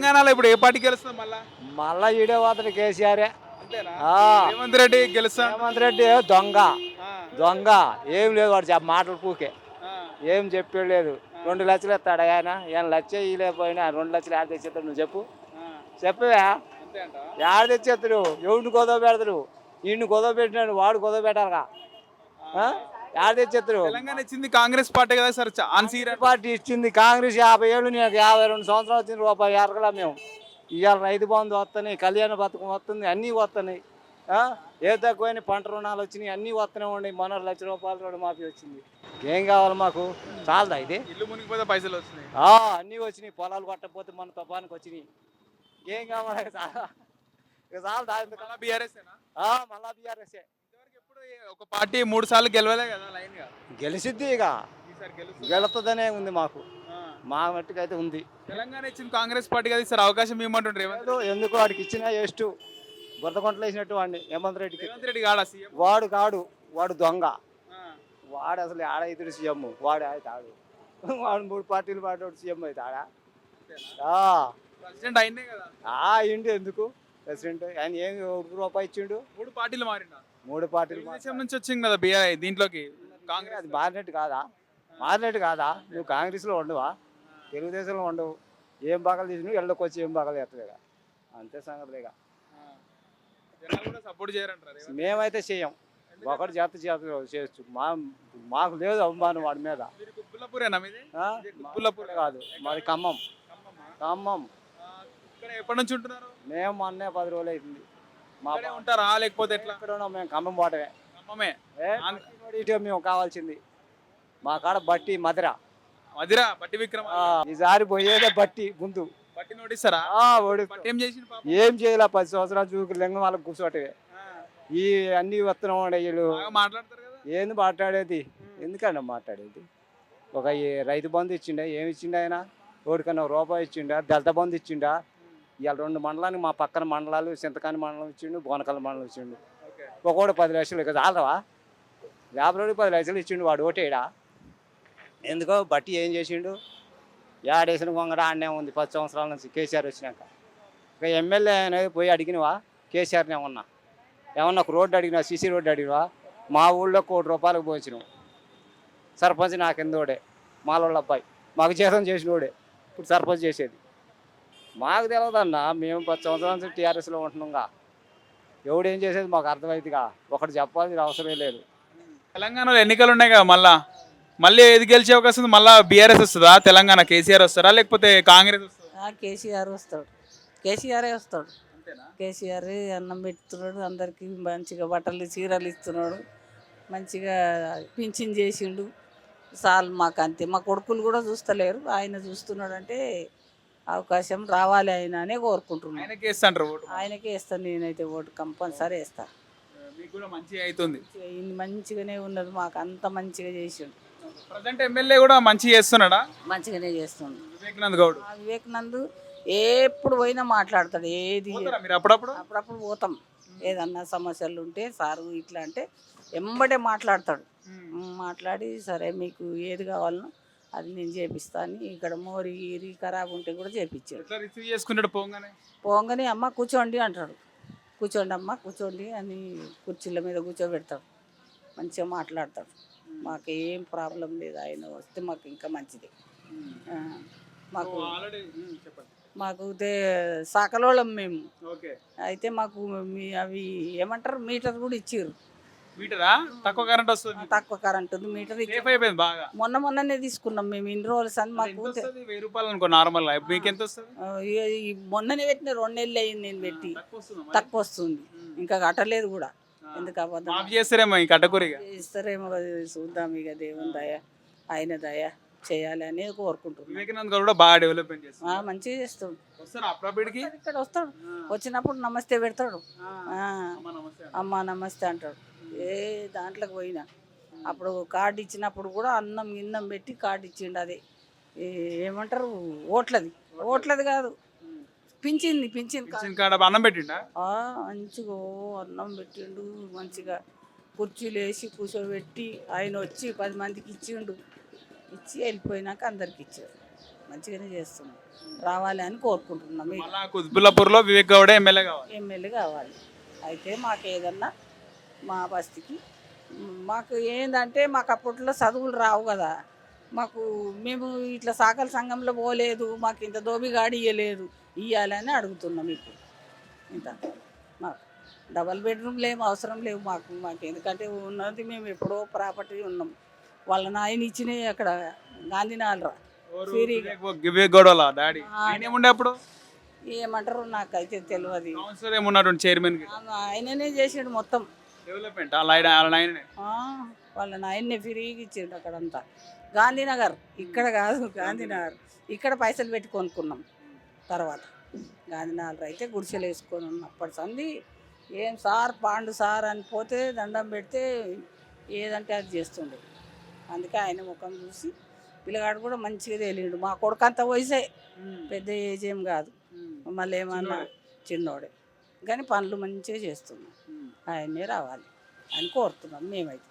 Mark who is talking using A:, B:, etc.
A: తెలంగాణలో ఇప్పుడు ఏ పార్టీ గెలుస్తుంది మళ్ళా?
B: మళ్ళా ఈడే పోతాడు కేసీఆర్.
A: అంతేనా?
B: ఆ,
A: రేవంత్ రెడ్డి గెలుస్తా
B: రేవంత్ రెడ్డి దొంగ
A: ఆ,
B: దొంగ. ఏం లేదు వాడు మాటలు పూకే
A: ఆ,
B: ఏం చెప్పలేదు. 2 లక్షలు ఇస్తాడు ఆయన. ఆయన లక్ష ఇలేకపోయినా 2 లక్షలు ఆడ తెచ్చేస్తాడు. నువ్వు చెప్పు
A: ఆ.
B: చెప్పవా?
A: అంతే అంటావా?
B: ఆడ తెచ్చేస్తాడు. ఎవరిని గొడవ పెడతాడు? ఈయన్ని గొడవ పెట్టినాడు, వాడు గొడవ పెట్టాలిగా. ఆడ తెచ్చేస్తాడు.
A: తెలంగాణ ఇచ్చింది కాంగ్రెస్ పార్టీ కదా సార్, ఆన్సీర్
B: పార్టీ ఇచ్చింది కాంగ్రెస్. 50 ఏళ్ళు, నేను 52 సంవత్సరాలు వచ్చింది. రూపాయి ఎరగలా మేము. ఇవాళ రైతు బంధు వస్తున్నాయి, కళ్యాణ పథకం వస్తుంది, అన్నీ వస్తున్నాయి. ఏ తక్కువైన పంట రుణాలు వచ్చినాయి, అన్నీ వస్తూనే ఉన్నాయి. మొన్న ₹1,00,000 రుణమాఫీ వచ్చింది. ఏం కావాలి మాకు? చాలదా ఇది?
A: ఇల్లు మునిగిపోతే పైసలు వస్తున్నాయి.
B: అన్నీ వచ్చినాయి. పొలాలు కొట్టకపోతే మన తుఫానికి వచ్చినాయి. ఏం కావాలి? ఇక చాలదా?
A: మళ్ళా బీఆర్ఎస్
B: మళ్ళా బీఆర్ఎస్
A: ఇంతవరకు ఎప్పుడు ఒక పార్టీ 3 సార్లు గెలవలే కదా లైన్ గా.
B: గెలిచిద్ది. ఇక
A: ఈసారి గెలుస్తుంది.
B: గెలుతుందనే ఉంది మాకు.
A: ఆ.
B: మా మట్టుకైతే ఉంది.
A: తెలంగాణ ఇచ్చింది కాంగ్రెస్ పార్టీ కదా, ఈసారి అవకాశం ఇవ్వమంటుండ్రు రేవంత్
B: లేదు, ఎందుకు వాడికి ఇచ్చినా ఎస్టు బురదకొంటలు వేసినట్టు వాడిని హేమంత్ రెడ్డికి.
A: రేవంత్ రెడ్డి కాడా సీఎం?
B: వాడు కాడు, వాడు దొంగ. వాడు అసలు ఆడ ఇద్దరు సీఎం. వాడు అవుతాడు. వాడు 3 పార్టీలు పాడేవాడు సీఎం అవుతాడా?
A: ప్రెసిడెంట్ అయినే కదా.
B: ఇండి ఎందుకు ప్రెసిడెంట్? ఆయన ఏం ₹1 ఇచ్చిండు?
A: 3 పార్టీలు మారిండా.
B: 3 పార్టీలు.
A: తెలుగుదేశం నుంచి వచ్చింది కదా బీఆర్ దీంట్లోకి కాంగ్రెస్.
B: అది మారినట్టు కాదా? మారినట్టు కాదా? నువ్వు కాంగ్రెస్లో ఉండవా? తెలుగుదేశంలో ఉండవు. ఏం బాగాలు తీసినావు, ఎళ్ళకి వచ్చి ఏం బాగాలు ఎత్తలేగా. అంతే సంగతిలేగా.
A: జనాలు కూడా సపోర్ట్ చేయరంటారు రేవంత్.
B: మేమైతే చేయం. ఒకటి చేత చేయొచ్చు. మాకు లేదు అవమానం వాడి మీద.
A: మీరు కుబ్బులపూరేనా మీది?
B: కుబ్బులపూర్ కాదు, మాది ఖమ్మం. ఖమ్మం.
A: ఇక్కడ ఎప్పటి నుంచి ఉంటున్నారు?
B: మేము మొన్నే 10 రోజులు అవుతుంది. మా
A: ఇక్కడే ఉంటారా లేకపోతే ఎట్లా?
B: ఎక్కడ ఉన్నాం మేము? ఖమ్మం పోవటమే.
A: ఖమ్మమే.
B: ఇటే మేము కావాల్సింది. మా కాడ బట్టి మధుర.
A: మదిరా బట్టి విక్రమ.
B: ఈసారి పోయేదే బట్టి ముందు.
A: బట్టి నోటిస్తారా? బట్టి ఏం చేసిండు పాపం?
B: ఏం చేయాల? 10 సంవత్సరాలు చూకు లింగం వాళ్ళకి కూర్చోటమే. ఈ అన్ని వస్తున్నాం వీళ్ళు.
A: బాగా మాట్లాడతారు కదా.
B: ఏంది మాట్లాడేది? ఎందుకన్నా మాట్లాడేది? ఒక రైతు బంధు ఇచ్చిండా? ఏమి ఇచ్చిండు ఆయన? ఒకటికన్నా ₹1 ఇచ్చిండా? దళిత బంధు ఇచ్చిండా? ఇవాళ 2 మండలానికి, మా పక్కన మండలాలు చింతకాని మండలం ఇచ్చిండు, బోనకల్ మండలం ఇచ్చిండు. ఒకటి 10 లక్షలు. ఇక చాలవా? 50 రోజులు 10 లక్షలు ఇచ్చిండు. వాడు ఓటేడా? ఎందుకో బట్టి ఏం చేసిండు? ఏడేసిన గొంగడ ఆడనే ఉంది 10 సంవత్సరాల నుంచి కేసీఆర్ వచ్చినాక. ఇక ఎమ్మెల్యే అనేది పోయి అడిగినవా కేసీఆర్ని? ఏమన్నా ఒక రోడ్డు అడిగినా, సీసీ రోడ్డు అడిగినవా? మా ఊళ్ళో ₹1,00,000 పోయించినావు. సర్పంచ్ నా కిందోడే, మాలోళ్ళ అబ్బాయి. మాకు జీతం చేసినోడే ఇప్పుడు సర్పంచ్ చేసేది. మాకు తెలియదన్నా. మేము 10 సంవత్సరాల నుంచి టీఆర్ఎస్లో ఉంటున్నాంగా. ఎవడేం చేసేది మాకు అర్థమైందిగా. ఒకటి చెప్పాల్సిన అవసరం లేదు.
A: తెలంగాణలో ఎన్నికలు ఉన్నాయి కదా, మళ్ళీ ఏది గెలిచే అవకాశం ఉంది? మళ్ళీ బీఆర్ఎస్ వస్తుందా? తెలంగాణ కేసీఆర్ వస్తారా లేకపోతే కాంగ్రెస్ వస్తుందా?
C: కేసీఆర్ వస్తాడు. కేసీఆరే వస్తాడు. కేసీఆర్ అన్నం పెడుతున్నాడు, అందరికీ మంచిగా బట్టలు చీరలు ఇస్తున్నాడు, మంచిగా పింఛన్ చేసిండు. చాలు మాకు అంతే. మా కొడుకులు కూడా చూస్తలేరు, ఆయన చూస్తున్నాడు అంటే అవకాశం రావాలి ఆయన అనే కోరుకుంటున్నాను.
A: ఆయనకే ఇస్తాంటారు ఓటు?
C: ఆయనకే వేస్తాను నేనైతే ఓటు, కంపల్సరీ వేస్తాను.
A: మీకు కూడా మంచిగా అవుతుంది.
C: మంచిగానే ఉన్నది, మాకు అంత మంచిగా చేసిండు.
A: ప్రజెంట్ ఎమ్మెల్యే కూడా మంచిగా చేస్తున్నాడా?
C: మంచిగానే చేస్తుండు
A: వివేకానంద్ గౌడ్.
C: వివేకానంద్ ఎప్పుడు పోయినా మాట్లాడతాడు. ఏది
A: మీరు అప్పుడప్పుడు
C: అప్పుడప్పుడు పోతాం. ఏదన్నా సమస్యలు ఉంటే సారు ఇట్లా అంటే ఎంబడే మాట్లాడతాడు. మాట్లాడి సరే మీకు ఏది కావాలనో అది నేను చేపిస్తాను. ఇక్కడ మోరి ఈరి ఖరాబ్ ఉంటే కూడా చేపించాడు.
A: రిసీవ్ చేసుకుంటాడు
C: పోగానే అమ్మ కూర్చోండి అంటాడు. కూర్చోండి అమ్మ కూర్చోండి అని కుర్చీల మీద కూర్చోబెడతాడు. మంచిగా మాట్లాడతాడు. మాకు ఏం ప్రాబ్లం లేదు. ఆయన వస్తే మాకు ఇంకా మంచిది. మాకు మాకు సకలోళం మేము. అయితే మాకు అవి ఏమంటారు మీటర్ కూడా ఇచ్చారు.
A: మీటరా? తక్కువ కరెంట్ వస్తుంది.
C: తక్కువ కరెంట్ ఉంది. మీటర్
A: బాగా
C: మొన్ననే తీసుకున్నాం మేము. ఇన్ని రోజులు అని మాకు
A: ₹1000 అనుకో నార్మల్. మీకు ఎంత వస్తుంది?
C: మొన్ననే పెట్టిన 2 నెలలు అయింది నేను పెట్టి. తక్కువ వస్తుంది, ఇంకా కట్టలేదు కూడా. ఎందుకు
A: చేస్తారేమో
C: ఇస్తారేమో చూద్దాం. ఇక దేవుని దయ, ఆయన దయ చేయాలి అని కోరుకుంటున్నాం.
A: వివేకానంద్ గారు కూడా బాగా డెవలప్మెంట్ చేస్తారు.
C: మంచిగా చేస్తాడు.
A: ఇక్కడ
C: వస్తాడు, వచ్చినప్పుడు నమస్తే పెడతాడు. అమ్మ నమస్తే అంటాడు. ఏ దాంట్లోకి పోయినా అప్పుడు కార్డు ఇచ్చినప్పుడు కూడా అన్నం గిన్నం పెట్టి కార్డు ఇచ్చిండు. అది ఏమంటారు ఓట్లది కాదు, పింఛన్
A: అన్నం పెట్టిండా?
C: మంచిగా అన్నం పెట్టిండు. మంచిగా కుర్చీలు వేసి కూర్చోబెట్టి ఆయన వచ్చి 10 మందికి ఇచ్చిండు. ఇచ్చి వెళ్ళిపోయినాక అందరికి ఇచ్చారు. మంచిగానే చేస్తున్నాం, రావాలి అని కోరుకుంటున్నాం.
A: మళ్ళా కుత్బుల్లాపూర్లో వివేక్ గౌడే ఎమ్మెల్యే కావాలి.
C: ఎమ్మెల్యే కావాలి. అయితే మాకు ఏదన్నా మా బస్తీకి మాకు ఏంటంటే మాకు అప్పట్లో చదువులు రావు కదా, మాకు మేము ఇట్లా సాకల సంఘంలో పోలేదు, మాకు ఇంత దోబిగాడి ఇవ్వలేదు, ఇవ్వాలని అడుగుతున్నాం. ఇప్పుడు ఇంత మాకు డబల్ బెడ్రూమ్లు ఏం అవసరం లేవు మాకు మాకు ఎందుకంటే ఉన్నది మేము ఎప్పుడో ప్రాపర్టీ ఉన్నాం. వాళ్ళ నాయన ఇచ్చినాయి అక్కడ గాంధీనగర్లో ఫ్రీగా.
A: వివేక్ గౌడ్ వాళ్ళ డాడీ ఏముండే అప్పుడు
C: ఏమంటారు నాకైతే తెలియదు.
A: కౌన్సిలర్ ఏమున్నాడు చైర్మన్
C: ఆయననే చేసాడు మొత్తం
A: డెవలప్మెంట్ వాళ్ళ
C: వాళ్ళ నాయన్నే ఫ్రీగా ఇచ్చిండు అక్కడంతా. గాంధీనగర్ ఇక్కడ కాదు, గాంధీనగర్ ఇక్కడ పైసలు పెట్టి కొనుక్కున్నాం. తర్వాత గాంధీనగర్ అయితే గుడిసెలు వేసుకొని ఉన్నప్పటి సంది ఏం సార్ పాండు సార్ అని పోతే దండం పెడితే ఏదంటే అది చేస్తుండే. అందుకే ఆయన ముఖం చూసి పిల్లగాడు కూడా మంచిగా తేలిండు. మా కొడుకు అంత వయసే, పెద్ద ఏజ్ ఏం కాదు, మళ్ళీ ఏమన్నా చిన్నోడే, కానీ పనులు మంచిగా చేస్తున్నాం. ఆయన్నే రావాలి అని కోరుతున్నాం మేమైతే.